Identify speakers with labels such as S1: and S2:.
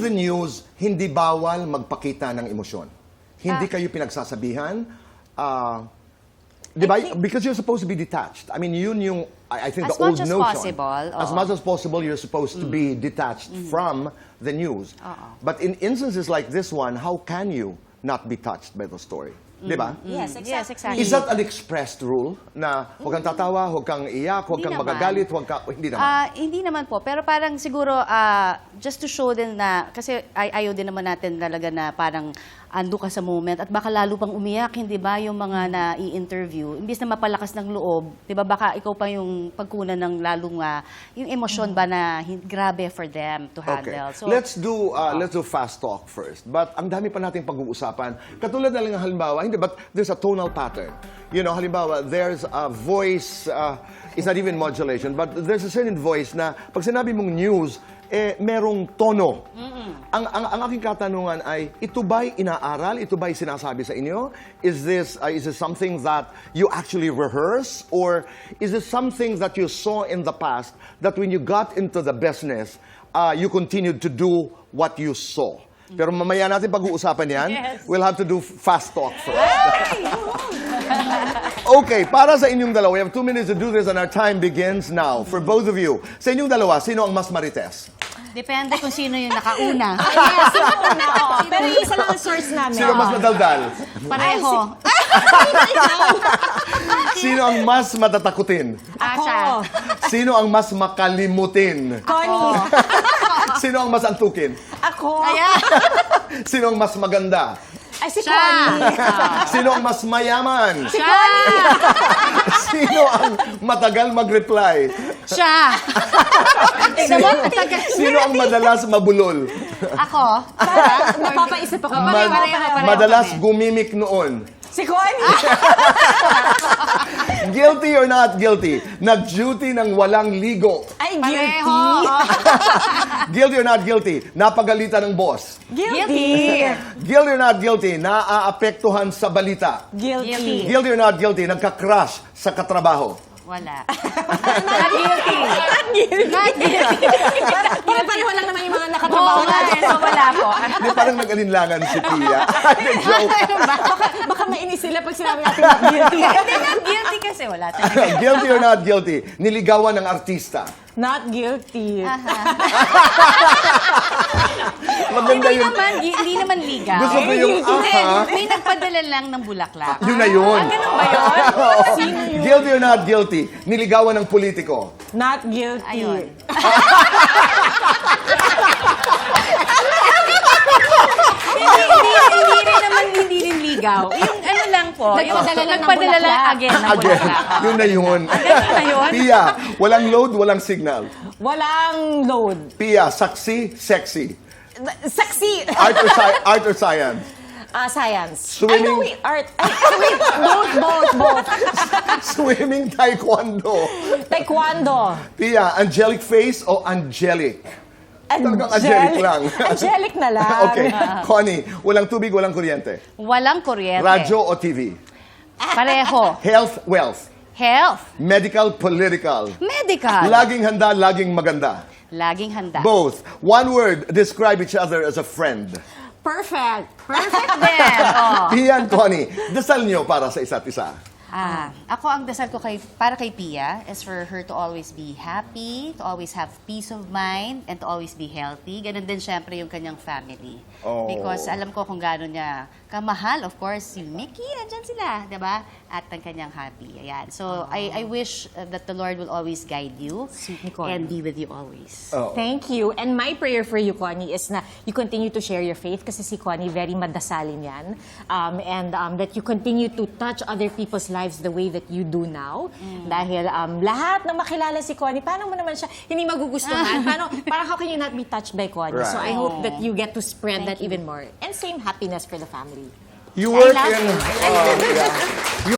S1: the news, hindi bawal magpakita ng emosyon. Hindi kayo pinagsasabihan. Diba? Because you're supposed to be detached. I mean, yun yung, I think,
S2: As
S1: the old
S2: much as
S1: notion.
S2: possible,
S1: As much as possible, you're supposed to be detached from the news. But in instances like this one, how can you not be touched by the story? Diba?
S3: Yes, exactly.
S2: Yes, exactly.
S1: Is that an expressed rule na huwag kang tatawa, huwag kang iyak, huwag
S2: Hindi
S1: kang
S2: naman.
S1: magagalit, huwag ka... Hindi naman.
S2: Hindi naman po. Pero parang siguro, just to show din na, kasi ayaw din naman natin talaga na parang ando ka sa moment at baka lalo pang umiyak, hindi ba, yung mga na-i-interview. Imbis na mapalakas ng loob, di ba, baka ikaw pa yung pagkunan ng lalong, yung emosyon ba na grabe for them to handle.
S1: Okay.
S2: So,
S1: Let's do fast talk first. But ang dami pa nating pag-uusapan. Katulad na lang ng halimbawa, hindi, but there's a tonal pattern. You know, halimbawa, there's a voice, it's not even modulation, but there's a certain voice na pag sinabi mong news, merong tono. Ang aking katanungan ay, ito ba'y inaaral? Ito ba'y sinasabi sa inyo? Is this something that you actually rehearse? Or is this something that you saw in the past that when you got into the business, you continued to do what you saw? Pero mamaya natin pag-uusapan yan.
S2: Yes.
S1: We'll have to do fast talk first. Okay, para sa inyong dalawa, we have 2 minutes to do this and our time begins now. For both of you, sa inyong dalawa, sino ang mas marites?
S2: depende kung sino yung nakauna.
S3: Yes, oo. Pero yung isa lang ang source namin.
S1: Sino mas madaldal?
S2: Pareho.
S1: Sino ang mas matatakutin?
S2: Siya.
S1: Sino ang mas makalimutin?
S3: Connie.
S1: Sino ang mas antukin?
S3: Ako.
S2: Ayan.
S1: Sino ang mas maganda?
S3: Ay, si
S2: Siya.
S3: Connie.
S1: Sino ang mas mayaman?
S2: Siya.
S1: Sino ang matagal mag-reply?
S2: Siya. Tignan mo, matagal.
S1: Sino ang madalas mabulol?
S2: Ako.
S3: Napapaisip ako.
S2: Pareho.
S1: Madalas gumimik noon?
S3: Si Connie.
S1: Guilty or not guilty? Nag-duty ng walang ligo.
S3: Ay,
S2: Pareho.
S3: guilty.
S1: Guilty or not guilty? Napagalitan ng boss.
S3: Guilty.
S1: Guilty or not guilty? Naaapektuhan sa balita.
S3: Guilty.
S1: Guilty or not guilty? Nagka-crush sa katrabaho.
S2: Wala.
S3: Not guilty.
S2: Not guilty.
S3: Para pareho lang naman yung mga nakatrabaho
S2: Oo nga,
S3: natin.
S2: so wala po.
S1: Hindi, parang nag-alinlangan si Pia. Joke.
S3: Baka mainis sila pag sinabi natin not guilty.
S2: Hindi, not guilty kasi wala talaga.
S1: Guilty or not guilty? Niligawan ng artista.
S3: Not guilty.
S1: Maganda yun.
S2: Hindi naman ligaw.
S1: Gusto ko yung
S2: Hindi,
S1: aha.
S2: may nagpadala lang ng bulaklak.
S1: Yun na yun.
S2: Ganun ba yun?
S3: Sino yun?
S1: Guilty or not guilty? Niligawan ng politiko.
S3: Not guilty.
S2: Ayun. Hindi rin ligaw. Yung ano lang po, yung
S3: Nagpadala lang ng
S2: again ng
S1: Again,
S2: bulaklak.
S1: yun na yun.
S2: Ganun na yun?
S1: Pia, walang load, walang signal.
S3: Walang load.
S1: Pia, saksi, sexy.
S3: Saksi.
S1: Art or science?
S3: Science.
S1: Swimming.
S3: Ay, no, wait. Art. Ay, wait. Both.
S1: Swimming, taekwondo.
S3: Taekwondo.
S1: Pia, angelic face o angelic? Talagang angelic lang.
S3: Angelic na lang.
S1: Okay. Connie, walang tubig, walang kuryente.
S2: Walang kuryente.
S1: Radyo o TV?
S2: Pareho.
S1: Health, wealth.
S2: Health.
S1: Medical, political.
S2: Medical.
S1: Laging handa, laging maganda.
S2: Laging handa.
S1: Both. One word, describe each other as a friend.
S3: Perfect.
S2: Perfect din. Oh.
S1: Pia and Connie, dasal nyo para sa isa't isa.
S2: Ako ang dasal ko para kay Pia is for her to always be happy, to always have peace of mind, and to always be healthy. Ganon din syempre yung kanyang family.
S1: Oh.
S2: Because alam ko kung gaano niya kamahal, of course, si Mickey, nandyan sila, diba? At ang kanyang hubby. Ayan. So, I wish that the Lord will always guide you
S3: Sweet ni Connie.
S2: and be with you always.
S1: Oh.
S3: Thank you. And my prayer for you, Connie, is na you continue to share your faith kasi si Connie very madasalin yan. And that you continue to touch other people's lives the way that you do now. Dahil lahat ng makilala si Connie, paano mo naman siya hindi magugustuhan? Parang how can you not be touched by Connie? So I
S1: Right.
S3: hope that you get to spread that
S2: Thank you.
S3: even more. And same happiness for the family.
S1: You work
S2: love
S1: in...
S2: you.
S1: yeah. You